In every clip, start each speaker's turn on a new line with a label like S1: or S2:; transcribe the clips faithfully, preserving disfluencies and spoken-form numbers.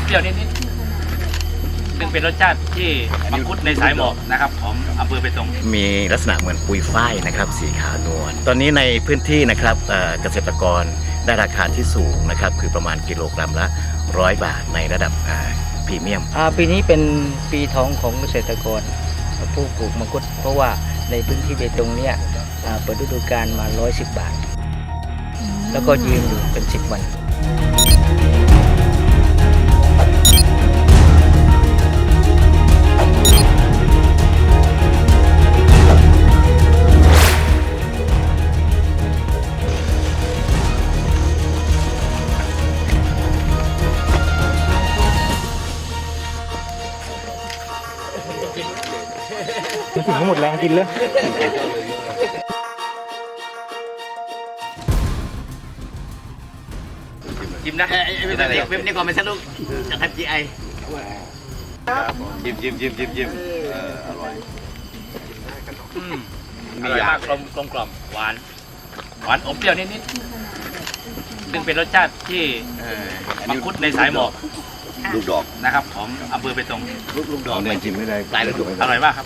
S1: เปรี้ยวนิดๆซึ่งเป็นรสชาติที่มังคุดในสายหมอกนะครับของอำเภอเบตงมีลักษณะเหมือนปุยฝ้ายนะครับสีขาวนวลตอนนี้ในพื้นที่นะครับเกษตรกรได้ราคาที่สูงนะครับคือประมาณกิโลกรัมละร้อยบาทในระดับพรีเมียม
S2: ปีนี้เป็นปีทองของเกษตรกรผู้ปลูกมังคุดเพราะว่าในพื้นที่เบตงเนี่ยเปิดฤดูกาลมาร้อยสิบบาทแล้วก็ยืนอยู่เป็นสิบวัน
S3: มันถึงหมดแรงกินเลย
S1: จิ้มนะไม่ได้เว็บนี้ก่อนไม่ใช่ลูกจะทำจีไอจิ้มจิ้มจิ้มจิ้มจิ้มอร่อยมีมากกลมกลมกล่อมหวานหวานอมเปรี้ยวนิดๆซึ่งเป็นรสชาติที่มังคุดในสายหมอกลูกดอกนะครับของอำเภอเบตงลูกลูกดอกเนี่ยจิ้มไม่ได้ตายเลยอร่อยมากครับ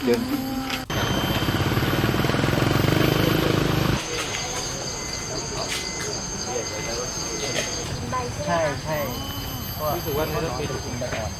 S2: ใช่ใช่รู้สึกว่ามันจะเป็นถุงใบอ่อน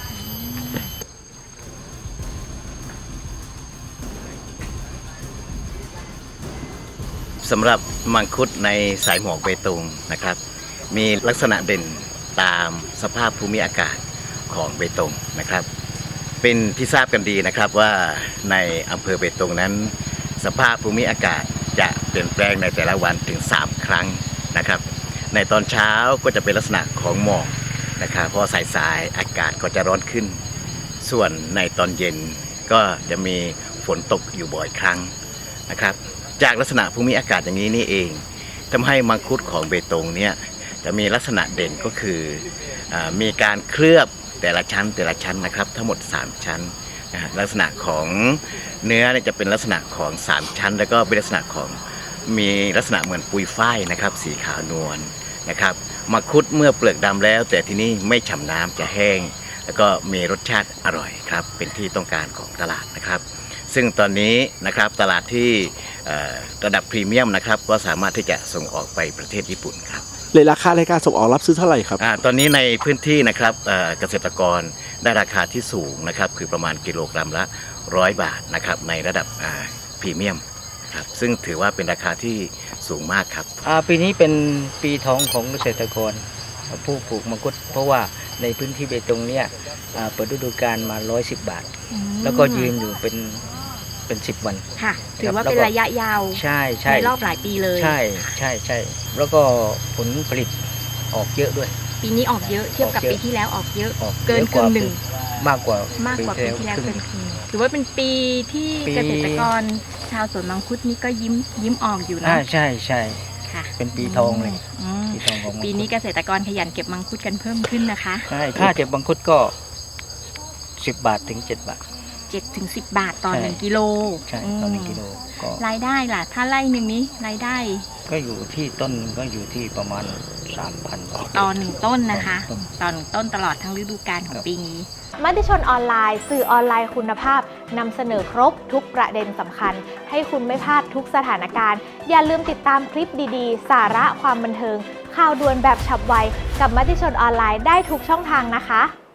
S4: สำหรับมังคุดในสายหมอกเบตงนะครับมีลักษณะเด่นตามสภาพภูมิอากาศของเบตงนะครับเป็นที่ทราบกันดีนะครับว่าในอำเภอเบตงนั้นสภาพภูมิอากาศจะเปลี่ยนแปลงในแต่ละวันถึงสามครั้งนะครับในตอนเช้าก็จะเป็นลักษณะของหมอกนะครับพอสายๆอากาศก็จะร้อนขึ้นส่วนในตอนเย็นก็จะมีฝนตกอยู่บ่อยครั้งนะครับจากลักษณะภูมิอากาศอย่างนี้นี่เองทำให้มังคุดของเบตงเนี่ยจะมีลักษณะเด่นก็คือมีการเคลือบแต่ละชั้นแต่ละชั้นนะครับทั้งหมดสามชั้นนะลักษณะของเนื้อเนี่ยจะเป็นลักษณะของสามชั้นแล้วก็เป็นลักษณะของมีลักษณะเหมือนปุยฝ้ายนะครับสีขาวนวลนะครับมังคุดเมื่อเปลือกดำแล้วแต่ที่นี่ไม่ฉ่ำน้ำจะแห้งแล้วก็มีรสชาติอร่อยครับเป็นที่ต้องการของตลาดนะครับซึ่งตอนนี้นะครับตลาดที่ระดับพรีเมียมนะครับก็สามารถที่จะส่งออกไปประเทศญี่ปุ่นครับ
S3: เลยราคาในการส่งออกรับซื้อเท่าไหร่ครับ
S4: ตอนนี้ในพื้นที่นะครับเกษตรกรได้ราคาที่สูงนะครับคือประมาณกิโลกรัมละร้อยบาทนะครับในระดับพรีเมียมครับซึ่งถือว่าเป็นราคาที่สูงมากครับ
S2: ปีนี้เป็นปีทองของเกษตรกรผู้ปลูกมังคุดเพราะว่าในพื้นที่เบตงเนี่ยเปิดฤดูกาลมาร้อยสิบบาทแล้วก็ยืนอยู่เป็นเป็นสิบวัน
S5: ค่ะถือว่าเป็นระยะยาว
S2: ใช่ใช่
S5: ในรอบหลายปีเลย
S2: ใช่ใช่ใช่แล้วก็ผลผลิตออกเยอะด้วย
S5: ปีนี้ออกเยอะเทียบกับปีที่แล้วออกเยอะเกินครึ่งหนึ่ง
S2: มากกว่าม
S5: ากกว่าปีที่แล้วเกินครึ่งถือว่าเป็นปีที่เกษตรกรชาวสวนมังคุดนี่ก็ยิ้มยิ้มออกอยู่นะ
S2: ใช่ใช่
S5: ค่ะ
S2: เป็นปีทองเลย
S5: ปีทองของปีนี้เกษตรกรขยันเก็บมังคุดกันเพิ่มขึ้นนะคะ
S2: ใช่ค่าเก็บมังคุดก็สิบบาทถึงเจ็ดบาท
S5: เจ็ดถึงสิบบาทต่อหนึ่งกิโล
S2: ใช่ต่อหนึ่งกิโล
S5: ก็รายได้ล่ะถ้าไร่หนึ่งนี้รายได้
S2: ก็อยู่ที่ต้นก็อยู่ที่ประมาณสามพันบาท
S5: ต่อหนึ่งต้นนะคะต่อหนึ่งต้นตลอดทั้งฤดูกาลของปีนี้
S6: มติชนออนไลน์สื่อออนไลน์คุณภาพนำเสนอครบทุกประเด็นสำคัญให้คุณไม่พลาดทุกสถานการณ์อย่าลืมติดตามคลิปดีๆสาระความบันเทิงข่าวด่วนแบบฉับไวกับมติชนออนไลน์ได้ทุกช่องทางนะคะ